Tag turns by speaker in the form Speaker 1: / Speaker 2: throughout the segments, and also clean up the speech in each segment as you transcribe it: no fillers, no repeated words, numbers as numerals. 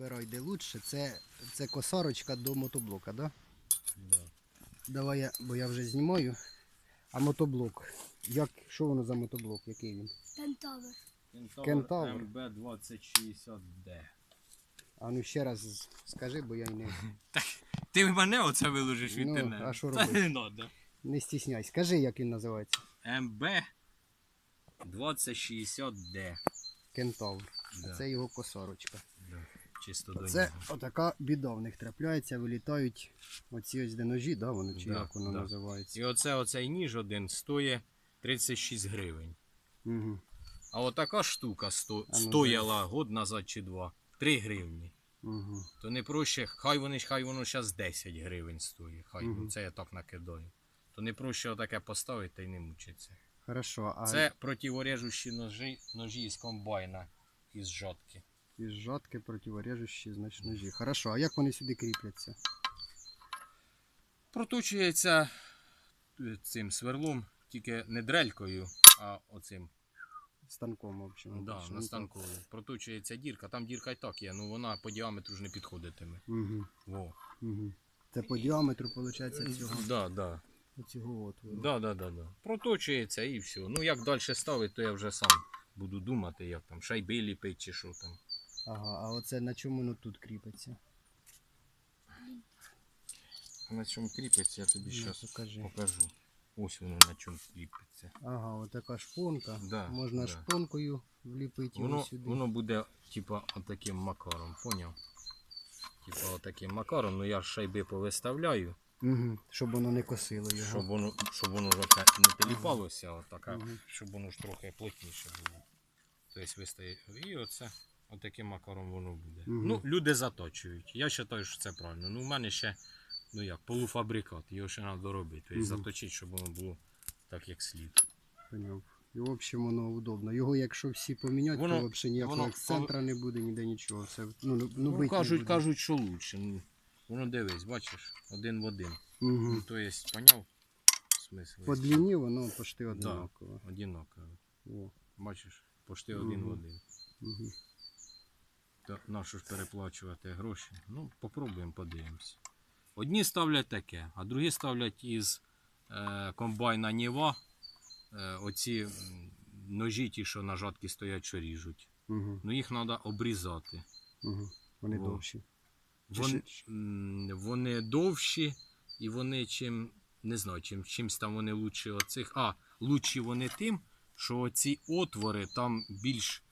Speaker 1: вибирай де лучше. Це косарочка до мотоблока, да?
Speaker 2: Да.
Speaker 1: Давай я, бо я вже знімаю. А мотоблок. Що воно за мотоблок? Який він?
Speaker 3: Кентавр.
Speaker 1: Кентавр.
Speaker 2: МБ2060D.
Speaker 1: А ну ще раз скажи, бо я й не,
Speaker 2: Ти мене оце виложиш в
Speaker 1: Ну,
Speaker 2: інтернет?
Speaker 1: а що
Speaker 2: Та
Speaker 1: робити?
Speaker 2: не надо.
Speaker 1: не стісняй. Скажи, як він називається.
Speaker 2: МБ2060D.
Speaker 1: Кентавр.
Speaker 2: Да.
Speaker 1: Це його косарочка.
Speaker 2: Да. Чисто до
Speaker 1: Це
Speaker 2: нього.
Speaker 1: отака біда в них трапляється, вилітають оці ось де ножі, да, вони, чи
Speaker 2: Да,
Speaker 1: як воно
Speaker 2: да.
Speaker 1: називається.
Speaker 2: І оцей ніж один стоїть 36 гривень.
Speaker 1: Угу.
Speaker 2: А отака штука
Speaker 1: ну,
Speaker 2: стояла год назад чи два. 3 гривні.
Speaker 1: Угу.
Speaker 2: То не проще, хай воно зараз 10 гривень стоїть. Хай,
Speaker 1: Мгм.
Speaker 2: це я так накидаю. То не проще отаке поставити та й не мучиться.
Speaker 1: Хорошо, а
Speaker 2: Це противорежущі ножі з комбайна із жатки.
Speaker 1: із жатки противорежущі, значить, ножі. Хорошо, а як вони сюди кріпляться?
Speaker 2: Проточується цим сверлом, тільки не дрелькою, а оцим.
Speaker 1: Станком, в общем.
Speaker 2: Да, на станку. Проточується дірка, там дірка і так є, ну вона по діаметру ж не підходитиме.
Speaker 1: Угу.
Speaker 2: Во.
Speaker 1: Угу. Це по діаметру, виходить, цього отвору.
Speaker 2: Да. Проточується і все. Ну як далі ставити, то я вже сам буду думати, як там, шайби ліпить чи що там.
Speaker 1: Ага, а оце на чому воно тут кріпиться?
Speaker 2: На чому кріпиться, я тобі
Speaker 1: Ну,
Speaker 2: зараз
Speaker 1: покажи.
Speaker 2: покажу. Ось воно на чому кріпиться.
Speaker 1: Ага, отака шпонка.
Speaker 2: Да,
Speaker 1: Можна
Speaker 2: да.
Speaker 1: шпонкою вліпити його
Speaker 2: Воно,
Speaker 1: сюди.
Speaker 2: воно буде типа отаким макаром, поняв? Типа отаким макаром, ну я ж шайби повиставляю,
Speaker 1: Угу. Щоб воно не косило його.
Speaker 2: щоб воно ж оце не теліпалося, отака,
Speaker 1: Мгм.
Speaker 2: щоб воно ж трохи плотніше було. Тобто вистає. І оце отаким макаром воно буде.
Speaker 1: Мгм.
Speaker 2: Ну, люди заточують. Я вважаю, що це правильно. Ну, в мене ще, ну як, полуфабрикат, його ще треба доробити. Тобто
Speaker 1: Мгм.
Speaker 2: заточити, щоб воно було так, як слід.
Speaker 1: Поняв. І в общем воно удобно. Його якщо всі поміняти,
Speaker 2: Воно-
Speaker 1: то взагалі ніякого
Speaker 2: воно-
Speaker 1: ексцентра не буде, ніде нічого. Все, ну
Speaker 2: Ну,
Speaker 1: бить не буде.
Speaker 2: кажуть, що лучше. Ну, воно дивись, бачиш, один в один.
Speaker 1: Угу.
Speaker 2: Ну, то є, поняв? Смисл.
Speaker 1: По длині воно почти однаково.
Speaker 2: Одинаково.
Speaker 1: О.
Speaker 2: Бачиш, почти один в
Speaker 1: Мгм.
Speaker 2: один.
Speaker 1: Угу.
Speaker 2: То нащо ж переплачувати гроші? Ну, попробуємо, подивимось. Одні ставлять таке, а другі ставлять із комбайна Ніва оці ножі, ті, що на жатки стоять, що ріжуть.
Speaker 1: Угу.
Speaker 2: Ну їх треба обрізати.
Speaker 1: Угу. Вони
Speaker 2: Во.
Speaker 1: довші.
Speaker 2: Вони довші і вони не знаю, чимсь там вони лучші оцих. Лучші вони тим, що оці отвори там більш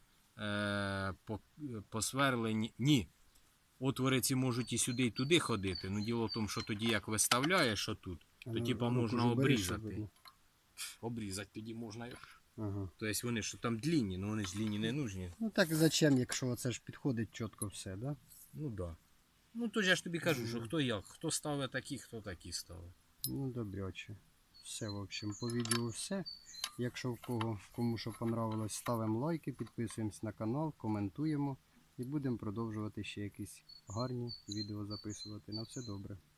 Speaker 2: посверлені. Ні. Отвори ці можуть і сюди, і туди ходити. Ну діло в тому, що тоді як виставляєш отут, то типа можна обрізати. Обрізати тоді можна.
Speaker 1: Ага.
Speaker 2: Тобто вони що там длінні, але вони ж длінні не нужні.
Speaker 1: Ну так зачем, якщо це ж підходить чітко все, да?
Speaker 2: Ну так. Да. Ну то я ж тобі кажу, що хто як, хто ставить такі, хто такі ставить.
Speaker 1: Ну добряче. Все, в общем, по відео все. Якщо кому що понравилось, ставимо лайки, підписуємось на канал, коментуємо і будемо продовжувати ще якісь гарні відео записувати. На все добре.